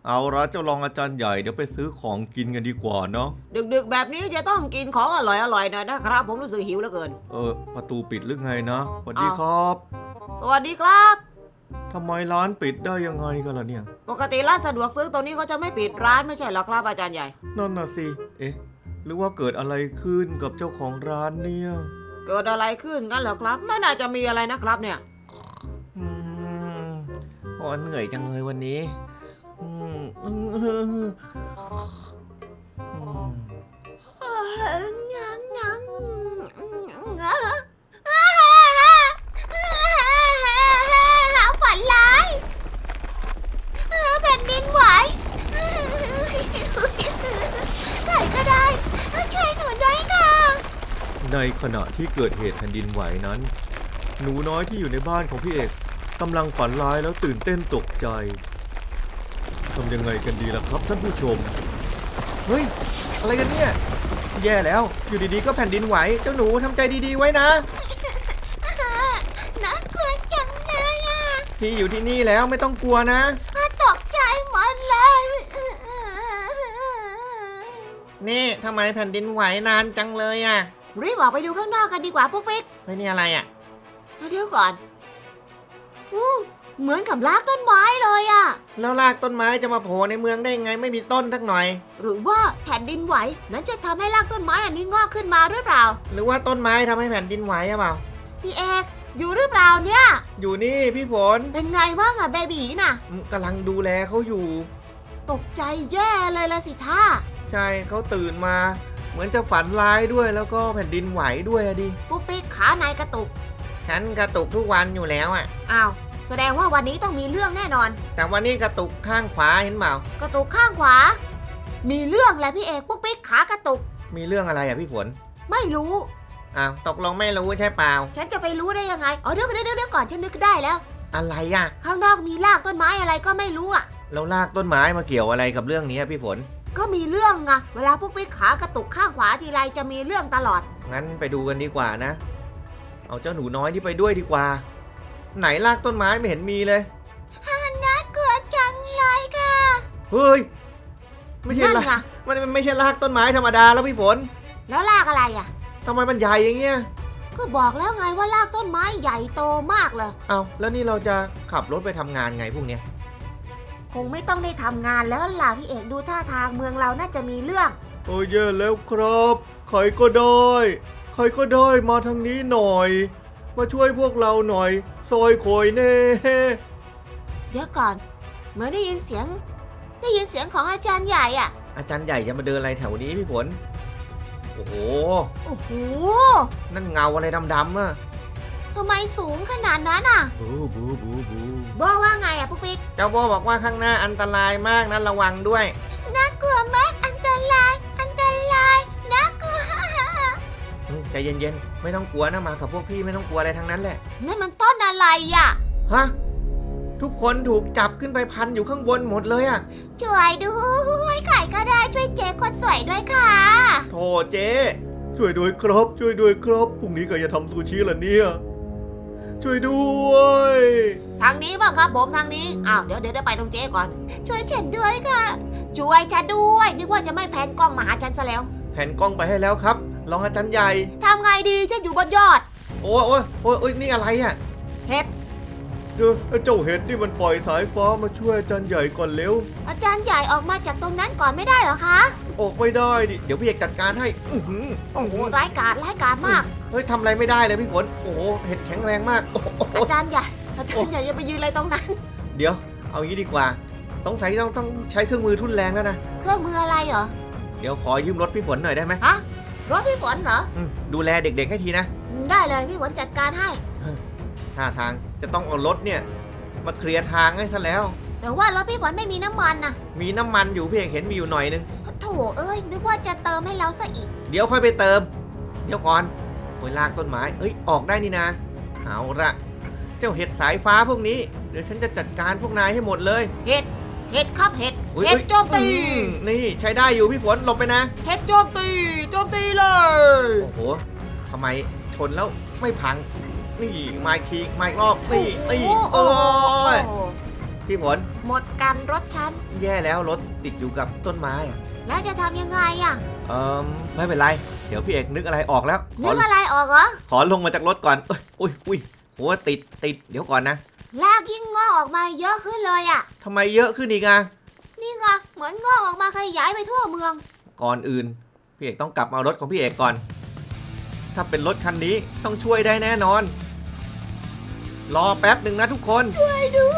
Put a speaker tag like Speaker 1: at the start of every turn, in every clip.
Speaker 1: เอาละเจ้ารองอาจารย์ใหญ่เดี๋ยวไปซื้อของกินกันดีกว่าเนาะ
Speaker 2: ดึกๆแบบนี้จะต้องกินของอร่อยๆหน่อยนะครับผมรู้สึกหิวเหลือเกิน
Speaker 1: ประตูปิดหรือไงนะสวัสดีครับ
Speaker 2: สวัสดีครับ
Speaker 1: ทำไมร้านปิดได้ยังไงกันล่ะเนี่ย
Speaker 2: ปกติร้านสะดวกซื้อตัวนี้เขาจะไม่ปิดร้านไม่ใช่หรอครับอาจารย์ใหญ่
Speaker 1: นั่นน่ะสิหรือว่าเกิดอะไรขึ้นกับเจ้าของร้านเนี่ย
Speaker 2: เกิดอะไรขึ้นกันเหรอครับไม่น่าจะมีอะไรนะครับเนี่ย
Speaker 1: เหนื่อยจังเลยวันนี้
Speaker 2: ฝันร้ายแผ่นดินไหวใครก็ได้ช่วยหนูด้วยค่ะ
Speaker 1: ในขณะที่เกิดเหตุแผ่นดินไหวนั้นหนูน้อยที่อยู่ในบ้านของพี่เอกกำลังฝันร้ายแล้วตื่นเต้นตกใจทำยังไงกันดีล่ะครับท่านผู้ชมเฮ้ยอะไรกันเนี่ยแย่แล้วอยู่ดีๆก็แผ่นดินไหวเจ้าหนูทำใจดีๆไว้นะ
Speaker 2: น่ากลัวจังเลยอ่ะ
Speaker 1: พี่อยู่ที่นี่แล้วไม่ต้องกลัวนะ
Speaker 2: ตกใจหมดเลย
Speaker 1: นี่ทำไมแผ่นดินไหวนานจังเลยอ่ะ
Speaker 2: รีบออกไปดูข้างนอกกันดีกว่าปุ๊กปิ๊ก
Speaker 1: เฮ้ยนี่อะไรอ่ะ
Speaker 2: เดี๋ยวก่อนเหมือนกับรากต้นไม้เลยอะ
Speaker 1: แล้วรากต้นไม้จะมาโผล่ในเมืองได้ไงไม่มีต้นทักหน่อย
Speaker 2: หรือว่าแผ่นดินไหวนั้นจะทำให้รากต้นไม้อันนี้งอกขึ้นมาหรือเปล่า
Speaker 1: หรือว่าต้นไม้ทำให้แผ่นดินไหวอะเปล่า
Speaker 2: พี่เอกอยู่หรือเปล่าเนี่ย
Speaker 1: อยู่นี่พี่ฝน
Speaker 2: เป็นไงบ้างอะเบบีน่ะ
Speaker 1: กำลังดูแลเขาอยู่
Speaker 2: ตกใจแย่เลยละสิท่า
Speaker 1: ใช่เขาตื่นมาเหมือนจะฝันร้ายด้วยแล้วก็แผ่นดินไหวด้วยอะดิ
Speaker 2: ปุ๊กปิ๊กขานายกระตุก
Speaker 1: ฉันกระตุกทุกวันอยู่แล้วอะ
Speaker 2: อ้าวแสดงว่าวันนี้ต้องมีเรื่องแน่นอน
Speaker 1: แต่วันนี้กระตุกข้างขวาเห็นเปล่าก
Speaker 2: ระตุกข้างขวามีเรื่องแหละพี่เอกปุ๊กปิ๊กขากระตุก
Speaker 1: มีเรื่องอะไรอะพี่ฝน
Speaker 2: ไม่รู้
Speaker 1: อ้าวตกลงไม่รู้ใช่เปล่า
Speaker 2: ฉันจะไปรู้ได้ยังไงเดี๋ยวก่อนฉันนึกได้แล้ว
Speaker 1: อะไรอะ
Speaker 2: ข้างนอกมีรากต้นไม้อะไรก็ไม่รู้อะ
Speaker 1: แล้วรากต้นไม้มาเกี่ยวอะไรกับเรื่องนี้พี่ฝน
Speaker 2: ก็มีเรื่องไงเวลาปุ๊กปิ๊กขากระตุกข้างขวาทีไรจะมีเรื่องตลอด
Speaker 1: งั้นไปดูกันดีกว่านะเอาเจ้าหนูน้อยที่ไปด้วยดีกว่าไหนรากต้นไม้ไม่เห็นมีเลย
Speaker 2: น่ากลัวจังเลยค่ะ
Speaker 1: เฮ้ยไม่ใช่รากมันไม่ใช่รากต้นไม้ธรรมดาแล้วพี่ฝน
Speaker 2: แล้วรากอะไรอ่ะ
Speaker 1: ทำไมมันใหญ่อย่างเงี้ย
Speaker 2: ก็บอกแล้วไงว่ารากต้นไม้ใหญ่โตมากเลย
Speaker 1: เอาแล้วนี่เราจะขับรถไปทำงานไงพวกเนี้ย
Speaker 2: คงไม่ต้องได้ทำงานแล้วล่ะพี่เอกดูท่าทางเมืองเราน่าจะมีเรื่อง
Speaker 1: โอ้ยแย่แล้วครับใครก็ได้มาทางนี้หน่อยมาช่วยพวกเราหน่อยซอยโขยเน่
Speaker 2: เดี๋ยวก่อนเหมือนได้ยินเสียงของอาจารย์ใหญ่อ่ะ
Speaker 1: อาจารย์ใหญ่จะมาเดินอะไรแถวนี้พี่ฝนโอ้โหนั่นเงาอะไรดำๆอ่ะ
Speaker 2: ทำไมสูงขนาดนั้นอ่ะ
Speaker 1: บู
Speaker 2: บอกว่าไงอ่ะปุ๊กปิ๊ก
Speaker 1: เจ้าโบบอกว่าข้างหน้าอันตรายมากนะระวังด้วย
Speaker 2: น่ากลัวมากอันตรายน่ากลัว
Speaker 1: ใจเย็นๆไม่ต้องกลัวนะมากับพวกพี่ไม่ต้องกลัวอะไรทั้งนั้นแหละ
Speaker 2: นั่นมันต้นอะไรอ่ะ
Speaker 1: ฮะทุกคนถูกจับขึ้นไปพันอยู่ข้างบนหมดเลยอ่ะ
Speaker 2: ช่วยด้วยใครก็ได้ช่วยเจ๊คนสวยด้วยค่ะ
Speaker 1: โธ่เจ๊ช่วยด้วยครับพรุ่งนี้ก็จะทำซูชิละเนี่ยช่วยด้วย
Speaker 2: ทางนี้บ้างครับผมทางนี้เดี๋ยวไปตรงเจ๊ก่อนช่วยฉันด้วยค่ะช่วยฉันด้วยนึกว่าจะไม่แผนกล้องมาหาฉันซะแล้ว
Speaker 1: แผนกล้องไปให้แล้วครับรองอาจารย์ใหญ่
Speaker 2: ทำไงดีฉันอยู่บนยอด
Speaker 1: โอ้ยนี่อะไรอ่ะ
Speaker 2: เห็ด
Speaker 1: เจ้าเห็ดนี่มันปล่อยสายฟ้ามาช่วยอาจารย์ใหญ่ก่อนเร็ว
Speaker 2: อาจารย์ใหญ่ออกมาจากตรงนั้นก่อนไม่ได้เหรอคะ
Speaker 1: ออกไม่ได้ดิเดี๋ยวพี่เอกจัดการให้
Speaker 2: โอ้โหร้ายกาจมาก
Speaker 1: เฮ้ยทำอะไรไม่ได้เลยพี่ฝนโอ้โหเห็ดแข็งแรงมาก
Speaker 2: อาจารย์ใหญ่อย่าไปยืนอะไรตรงนั้น
Speaker 1: เดี๋ยวเอางี้ดีกว่าสงสัยต้องใช้เครื่องมือทุ่นแรงแล้วนะ
Speaker 2: เครื่องมืออะไรเหรอ
Speaker 1: เดี๋ยวขอยืมรถพี่ฝนหน่อยได้ไหม
Speaker 2: ฮะรถพี่ฝนเหรอ
Speaker 1: ดูแลเด็กๆให้ทีนะ
Speaker 2: ได้เลยพี่ฝนจัดการให้
Speaker 1: ท่าทางจะต้องเอารถเนี่ยมาเคลียร์ทางให้ซะแล้ว
Speaker 2: แต่ว่ารถพี่ฝนไม่มีน้ำมันนะ
Speaker 1: มีน้ำมันอยู่พี่เอกเห็นมีอยู่หน่อยนึง
Speaker 2: โถเอ้ยนึกว่าจะเติมให้เราซะอีก
Speaker 1: เดี๋ยวค่อยไปเติมเดี๋ยวก่อนโอยลากต้นไม้ออกได้นี่นะเอาละเจ้าเห็ดสายฟ้าพวกนี้เดี๋ยวฉันจะจัดการพวกนายให้หมดเลย
Speaker 2: เห็ดครับเห็ดโจมตี
Speaker 1: นี่ใช้ได้อยู่พี่ฝนหลบไปนะ
Speaker 2: เห็ดโจมตีเลย
Speaker 1: โอ้โหทำไมชนแล้วไม่พังนี่มาอีกรอบนี่โอ้ยพี่ฝน
Speaker 2: หมดกันรถฉัน
Speaker 1: แย่แล้วรถติดอยู่กับต้นไม้อะ
Speaker 2: แล้วจะทำยังไงอ่ะ
Speaker 1: ไม่เป็นไร เดี๋ยวพี่เอกนึกอะไรออกแล้ว
Speaker 2: นึกอะไรออกเหรอ
Speaker 1: ขอลงมาจากรถก่อนอุ้ยโหติดเดี๋ยวก่อนนะ
Speaker 2: ลากยิ่งงอกออกมาเยอะขึ้นเลยอ่ะ
Speaker 1: ทำไมเยอะขึ้นอีกอะ
Speaker 2: นี่ไงเหมือนงอกออกมาขยายไปทั่วเมือง
Speaker 1: ก่อนอื่นพี่เอกต้องกลับมาเอารถของพี่เอกก่อน ถ้าเป็นรถคันนี้ต้องช่วยได้แน่นอน รอแป๊บหนึ่งนะทุกคน
Speaker 2: ช่วยด้วย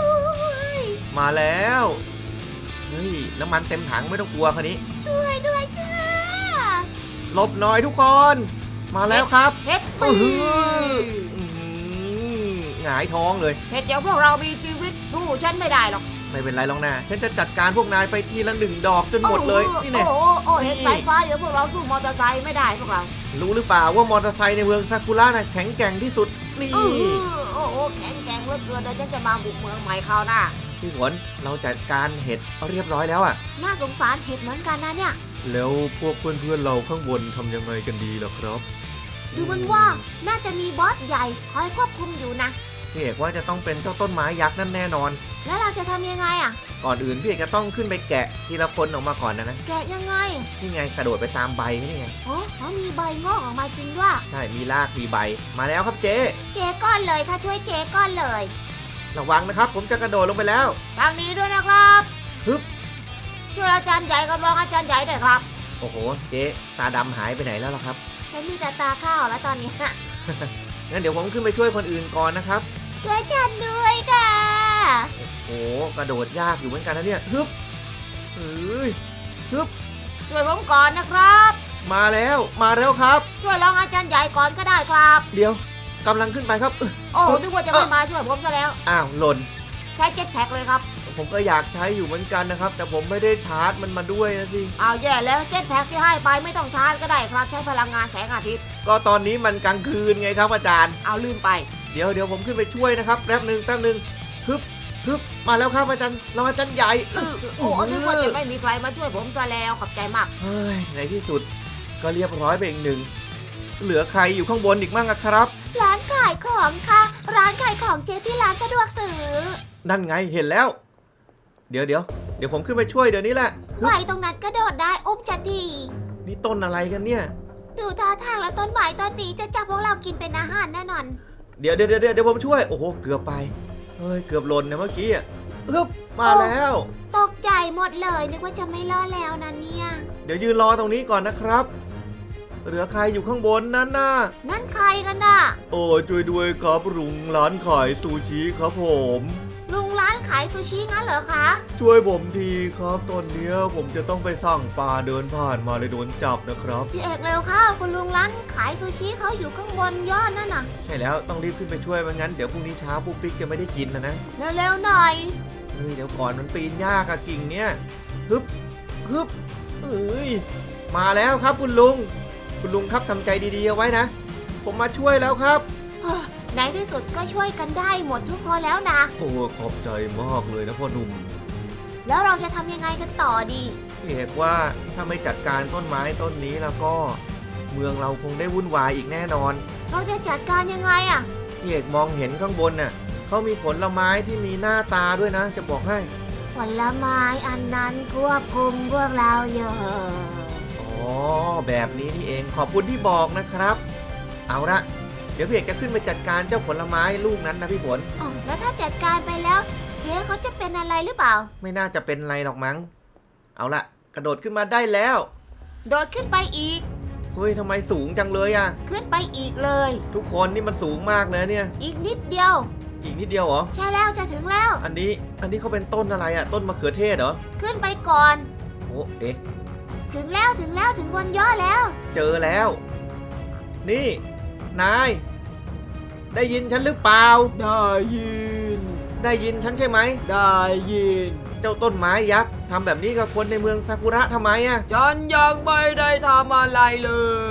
Speaker 1: มาแล้วเฮ้ยน้ำมันเต็มถังไม่ต้องกลัวคันนี้
Speaker 2: ช่วยด้วยจ้า
Speaker 1: หลบหน่อยทุกคน มาแล้วครับ
Speaker 2: เฮ็ด
Speaker 1: อื้
Speaker 2: ตี
Speaker 1: อหือ หงายท้องเลย
Speaker 2: เฮ็ดเดี๋ยวพวกเรามีชีวิตสู้ฉันไม่ได้หรอก
Speaker 1: ไม่เป็นไรหรอกนะฉันจะจัดการพวกนายไปทีละ1 ดอกจนหมดเลยนี่แน่
Speaker 2: โอ้เฮ็ดสายฟ้าเดี๋ยวพวกเราสู้มอเตอร์ไซค์ไม่ได้พวกเรา
Speaker 1: รู้หรือเปล่าว่ามอเตอร์ไซค์ในเมืองซากุระน่ะแข็งแกร่งที่สุดนี่
Speaker 2: โอ้แข็งแกร่งเหลือเกินเดี๋ยวฉันจะมาบุกเมืองใหม่คราวหน้า
Speaker 1: พี่ฝนเราจัดการเห็ดเรียบร้อยแล้วอะ
Speaker 2: น่าสงสารเห็ดเหมือนกันนะเนี่ย
Speaker 1: แล้วพวกเพื่อนๆเราข้างบนทำยังไงกันดีล่ะครับ
Speaker 2: ดูมันว่าน่าจะมีบอสใหญ่คอยควบคุมอยู่นะ
Speaker 1: พี่เอกว่าจะต้องเป็นเจ้าต้นไม้ยักษ์นั่นแน่นอน
Speaker 2: แล้วเราจะทำยังไงอ่ะ
Speaker 1: ก่อนอื่นพี่เอกจะต้องขึ้นไปแกะทีละคนออกมาก่อนนะ
Speaker 2: แกะยังไง
Speaker 1: นี่ไงกระโดดไปตามใบนี่ไง
Speaker 2: โอ้เขามีใบงอกออกมาจริงด้วย
Speaker 1: ใช่มีรากมีใบมาแล้วครับเจ๊
Speaker 2: เจ๊ก้อนเลยค่ะช่วยเจ๊ก้อนเลย
Speaker 1: ระวังนะครับผมจะกระโดดลงไปแล้ว
Speaker 2: ทางนี้ด้วยนะครับ
Speaker 1: ฮึบ
Speaker 2: ช่วยอาจารย์ใหญ่กับรองอาจารย์ใหญ่ด้วยครับ
Speaker 1: โอ้โหเจ๊ตาดำหายไปไหนแล้วล่ะครับ
Speaker 2: ฉันมีแต่ตาข้าวแล้วตอนนี้
Speaker 1: งั้นเดี๋ยวผมขึ้นไปช่วยคนอื่นก่อนนะครับ
Speaker 2: ช่วยฉันด้วยค่ะ
Speaker 1: โอ้โหกระโดดยากอยู่เหมือนกันนะเนี่ยฮึบเอ้ยฮึบ
Speaker 2: ช่วยผมก่อนนะครับ
Speaker 1: มาแล้วครับ
Speaker 2: ช่วยรองอาจารย์ใหญ่ก่อนก็ได้ครับ
Speaker 1: เดี๋ยวกำลังขึ้นไปครับ
Speaker 2: โอ้นึกว่าจะไม่มาช่วยผมซะแล้ว
Speaker 1: อ้าวหล่น
Speaker 2: ใช้เจ็ตแพ็กเลยครับ
Speaker 1: ผมก็อยากใช้อยู่เหมือนกันนะครับ แต่ผมไม่ได้ชาร์จมันมาด้วยนะสิ
Speaker 2: เอาแย่แล้วเจ็ตแพ็กที่ให้ไปไม่ต้องชาร์จก็ได้ครับ ใช้พลังงานแสงอาทิตย์
Speaker 1: ก็ตอนนี้มันกลางคืนไงครับอาจารย์
Speaker 2: เอาลืมไป
Speaker 1: เดี๋ยวผมขึ้นไปช่วยนะครับแป๊บหนึ่งฮึบมาแล้วครับอาจารย์เราอาจารย์ใหญ่
Speaker 2: โอ้นึกว่าจะไม่มีใครมาช่วยผมซะแล้วขอบใจมาก
Speaker 1: เฮ้ยในที่สุดก็เรียบร้อยไปอีกหนึ่งเหลือใครอยู่ข้างบนอีกมั่งอะครับ
Speaker 2: ร้านขายของค่ะ ร้านขายของเจ๊ที่ร้านสะดวกซื้อ
Speaker 1: นั่นไงเห็นแล้ว เดี๋ยวผมขึ้นไปช่วยเดี๋ยวนี้แหละ
Speaker 2: ไหวตรงนั้นก็โดดได้อุ้มจะดี
Speaker 1: นี่ต้นอะไรกันเนี่ย
Speaker 2: ดูท่าทางแล้วต้นไม้ต้นนี้จะจับพวกเรากินเป็นอาหารแน่นอน
Speaker 1: เดี๋ยวผมช่วยโอ้โหเกือบไปเฮ้ยเกือบหล่นนะเมื่อกี้อะฮึบมาแล้ว
Speaker 2: ตกใจหมดเลยนึกว่าจะไม่รอดแล้วนะเนี่ย
Speaker 1: เดี๋ยวยืนรอตรงนี้ก่อนนะครับ เหลือใครอยู่ข้างบนนั่นน่ะ
Speaker 2: นั่นใครกันน่ะ
Speaker 1: โอ้ช่วยด้วยครับลุงร้านขายซูชิครับผม
Speaker 2: ลุงร้านขายซูชิงั้นเหรอคะ
Speaker 1: ช่วยผมทีครับตอนเนี้ยผมจะต้องไปสั่งปลาเดินผ่านมาเลยโดนจับนะครับ
Speaker 2: พี่เอกเร็วเข้าคุณลุงร้านขายซูชิเขาอยู่ข้างบนยอดนั่นน่ะ
Speaker 1: ใช่แล้วต้องรีบขึ้นไปช่วยไม่งั้นเดี๋ยวพรุ่งนี้เช้าปุ๊กปิ๊กจะไม่ได้กินนะ
Speaker 2: เร็วๆหน่อย
Speaker 1: เฮ้ยเดี๋ยวก่อนมันปีนยากอะกิ่งเนี้ยฮึบเอ้ยมาแล้วครับคุณลุงครับทำใจดีๆเอาไว้นะ ผมมาช่วยแล้วครับ
Speaker 2: ในที่สุดก็ช่วยกันได้หมดทุกคนแล้วนะ
Speaker 1: โอ้ขอบใจมากเลยนะพ่อหนุ่ม
Speaker 2: แล้วเราจะทำยังไงกันต่อดี
Speaker 1: พี่เอกว่าถ้าไม่จัดการต้นไม้ต้นนี้แล้วก็ เมืองเราคงได้วุ่นวายอีกแน่นอน
Speaker 2: เราจะจัดการยังไงอะ
Speaker 1: พี่เอกมองเห็นข้างบนน่ะเขามีผลไม้ที่มีหน้าตาด้วยนะ จะบอกให้
Speaker 2: ผลไม้อันนั้นควบคุมพวกเราอยู่
Speaker 1: อ๋อแบบนี้นี่เองขอบคุณที่บอกนะครับ เอาละเดี๋ยวพี่เอกจะขึ้นไปจัดการเจ้าผลไม้ลูกนั้นนะพี่ฝน
Speaker 2: อ๋อแล้วถ้าจัดการไปแล้วเจ๊เขาจะเป็นอะไรหรือเปล่า
Speaker 1: ไม่น่าจะเป็นไรหรอกมั้ง เอาละกระโดดขึ้นมาได้แล้ว
Speaker 2: โดดขึ้นไปอีก
Speaker 1: เฮ้ยทำไมสูงจังเลยอะ
Speaker 2: ขึ้นไปอีกเลย
Speaker 1: ทุกคนนี่มันสูงมากเลยเนี่ย
Speaker 2: อีกนิดเดียว
Speaker 1: อีกนิดเดียวเหรอ
Speaker 2: ใช่แล้วจะถึงแล้ว
Speaker 1: อันนี้เขาเป็นต้นอะไรอะต้นมะเขือเทศเหรอ
Speaker 2: ขึ้นไปก่อน
Speaker 1: โอ้เอ๊ะ
Speaker 2: ถึงแล้วถึงบนยอดแล้ว
Speaker 1: เจอแล้ว นี่นายได้ยินฉันหรือเปล่า
Speaker 3: ได้ยิน
Speaker 1: ได้ยินฉันใช่ไหม
Speaker 3: ได้ยิน
Speaker 1: เจ้าต้นไม้ยักษ์ทำแบบนี้กับคนในเมืองซากุระทำไมอะ
Speaker 3: ฉันยังไม่ได้ทำอะไรเลย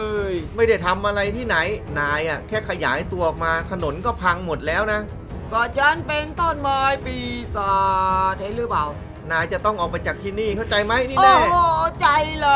Speaker 1: ไม่ได้ทำอะไรที่ไหน นายอะแค่ขยายตัวออกมาถนนก็พังหมดแล้วนะ
Speaker 3: ก็ฉันเป็นต้นไม้ปีศาจเห็นหรือเปล่า
Speaker 1: นายจะต้องออกไปจากที่นี่เข้าใจไหมนี่
Speaker 3: โอ้
Speaker 1: แน่
Speaker 3: โหใจเลย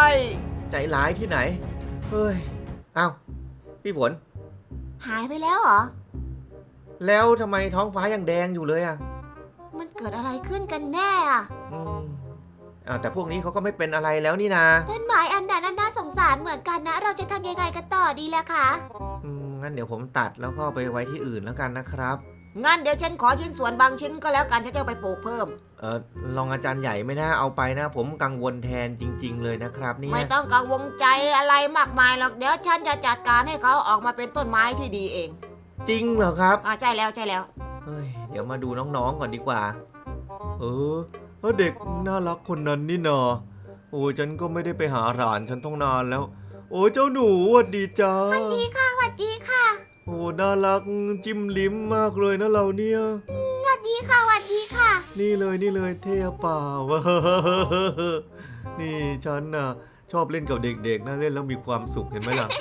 Speaker 1: ใจร้ายที่ไหน เฮ้ย เอ้า พี่ฝน
Speaker 2: หายไปแล้วเหรอ
Speaker 1: แล้วทำไมท้องฟ้ายังแดงอยู่เลยอะ
Speaker 2: มันเกิดอะไรขึ้นกันแน่อะ
Speaker 1: อืมแต่พวกนี้เขาก็ไม่เป็นอะไรแล้วนี่นา
Speaker 2: ต้นไม้อันนั้นน่าสงสารเหมือนกันนะ เราจะทำยังไงกันต่อดีล่ะคะ
Speaker 1: งั้นเดี๋ยวผมตัดแล้วก็ไปไว้ที่อื่นแล้วกันนะครับ
Speaker 2: งั้นเดี๋ยวฉันขอชิ้นส่วนบางชิ้นก็แล้วกันฉันจะเอาไปปลูกเพิ่ม
Speaker 1: รองอาจารย์ใหญ่ไม่น่าเอาไปนะ ผมกังวลแทนจริง ๆ เลยนะครับเนี่ย
Speaker 2: ไม่ต้องกังวลใจอะไรมากมายหรอกเดี๋ยวฉันจะจัดการให้เขาออกมาเป็นต้นไม้ที่ดีเอง
Speaker 1: จริงเหรอครับ
Speaker 2: ใช่แล้วใช่แล้ว
Speaker 1: เฮ้ยเดี๋ยวมาดูน้องๆก่อนดีกว่า เด็กน่ารักคนนั้นนี่นาโอ้ฉันก็ไม่ได้ไปหาหลานฉันต้องนานแล้ว โอ้เจ้าหนูหวัดดีจ้า
Speaker 2: สวัสดีค่ะสวัสดีค่ะ
Speaker 1: โอ้น่ารักจิ้มลิ้มมากเลยนะเราเนี่ย
Speaker 2: สวัสดีค่ะสวัสดีค่ะ
Speaker 1: นี่เลยเท่เปล่า นี่ฉันน่ะชอบเล่นกับเด็กๆนะเล่นแล้วมีความสุขเห็นไหมล่ะ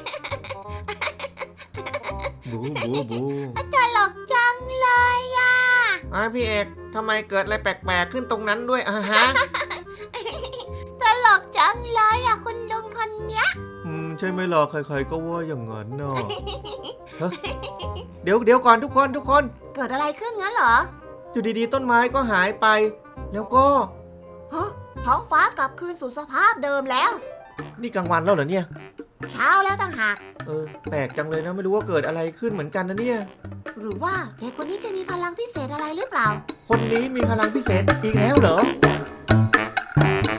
Speaker 1: บูบู
Speaker 2: ตลกจังเลยอ่ะ
Speaker 1: พี่เอกทำไมเกิดอะไรแปลกๆขึ้นตรงนั้นด้วยฮะ
Speaker 2: ตลกจังเลยอ่ะคุณลุงคนเนี้ย
Speaker 1: ใช่ไหมล่ะใครๆก็ว่าอย่างนั้นน่ะ ฮะเดี๋ยวก่อนทุกคน
Speaker 2: เกิดอะไรขึ้นงั้นเหรอ
Speaker 1: อยู่ดีๆต้นไม้ก็หายไป แล้วก็
Speaker 2: ฮะท้องฟ้ากลับคืนสู่สภาพเดิมแล้ว
Speaker 1: นี่กลางวันแล้วเหรอเนี่ย
Speaker 2: เช้าแล้วต่างหาก
Speaker 1: แปลกจังเลยนะไม่รู้ว่าเกิดอะไรขึ้นเหมือนกันนะเนี่ย
Speaker 2: หรือว่าเด็กคนนี้จะมีพลังพิเศษอะไรหรือเปล่า
Speaker 1: คนนี้มีพลังพิเศษอีกแล้วเหรอ